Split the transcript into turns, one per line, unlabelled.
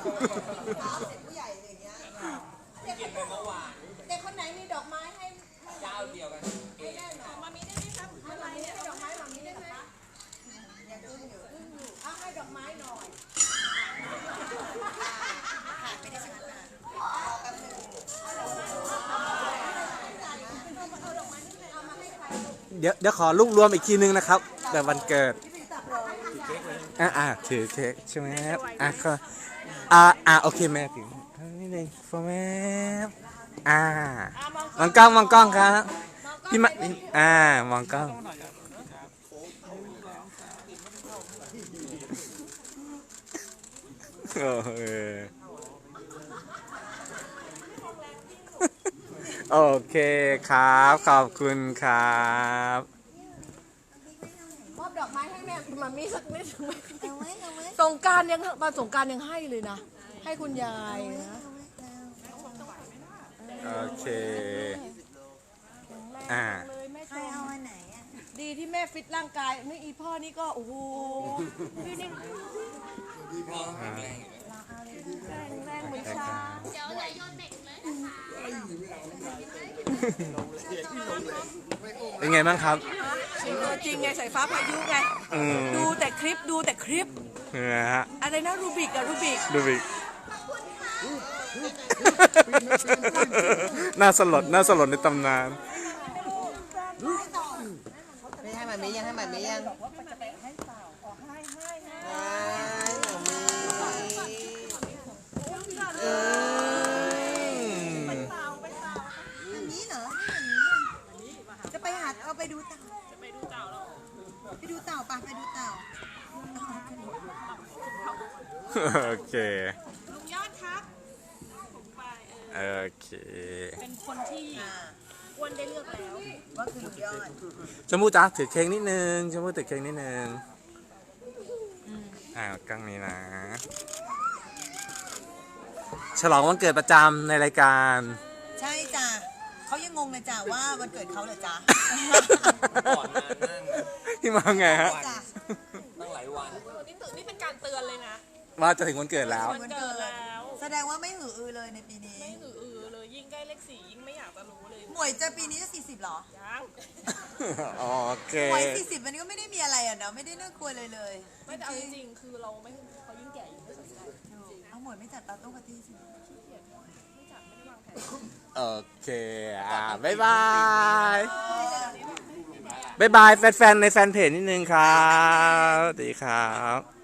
เด็กผู้ใหญ่อย่างเงี้ยเด็ก
กินไปเมื่อวาน
คนไหนมีดอกไม้ให้
เจ้าเดียวกันเอง
แม่หน่อยมามีได้ไหมครับอะไรให้ดอกไม้มามีได้ไหมยังอึ้งอยู่เอาให้ดอกไม้หน่อยขาดไม่ได้ชนะนะเอาแป๊บนึงเอาดอกไม้นี่เอามาให้ใคร
เดี๋ยวขอรวบรวมอีกทีนึงนะครับแบบวันเกิดถือเค้กใช่ไหมครับก็โอเคแม่ถือนี่เลยโฟร์แม่มองกล้องครับพี่มามองกล้องโอเคครับขอบคุณครับ
มอบดอกไม้ให้แม่มามีสักนิดไหมสงกรานต์ยังมาสงกรานต์ยังให้เลยนะให้คุณยายนะ
โอเค
ใครเอาอันไหนอ่ะดีที่แม่ฟิตร่างกายไม่อีพ่อนี่ก็โอ้โหพี่นี่
พ่อแข็งแรงอยู่
แรงเหมือนช้าง
เดี๋ยวอย่าโยนเด็กเลยนะคะ
เป็นไงบ้างครับ
จริงไงสายฟ้าพายุไงดูแต่คลิป
นะฮะ
อะไรนะรูบิก
ดูบิกน่าสลดในตำนาน
ไม่ให้มันมียังให้มันมียังนี้เหรอจะไปหาเอาไปดูเต่าไปดูเต่าปะไปดูเต่า
โอเค
ลุงยอดครับผมไป
โอเค
เป็นคนที่อ้วนได้เลือกแล้ว
ว่าคือลุงยอด
ชมพู่จ้าถือเค้กนิดนึงชมพู่ถือเค้กนิดนึงกล้องนี้นะฉลองวันเกิดประจำในรายการ
ใช่จ้ะเขายังงงเลยจ้ะว่าวันเกิดเขาเหรอจ๊ะ
ก่อนนานนั่ง
ที่มาไงฮะ
ตั้งหลายวัน
นี่เป็นการเตือนเลยนะ
ว่าจะถึงวันเกิดแล้ว
วันเกิดแล้ว
แสดงว่าไม่หืออือเลยในปีนี้
ไม่หือเลยยิ่งใกล้เลข4ยิ่งไม่อยากจะรู้เลย
หมวยจะปีนี้จะ40หรอ
ยัง
โอเค
หมวย40มันก็ไม่ได้มีอะไรอ่ะเนาะไม่ได้น่ากลัวเลย
ไม่แต่เอาจริงๆคือเราไม่เขายิ่งแก่ยิ่งไม่สนใจ
เอาหมวยไม่จัดปาร์ตี้ปาร์ตี้สิ
ขี้เกียจไม่จัดไม่ได้วางแผน
โอเคบ๊ายบายแฟนๆในแฟนเพจนิดนึงครับสวัสดีครับ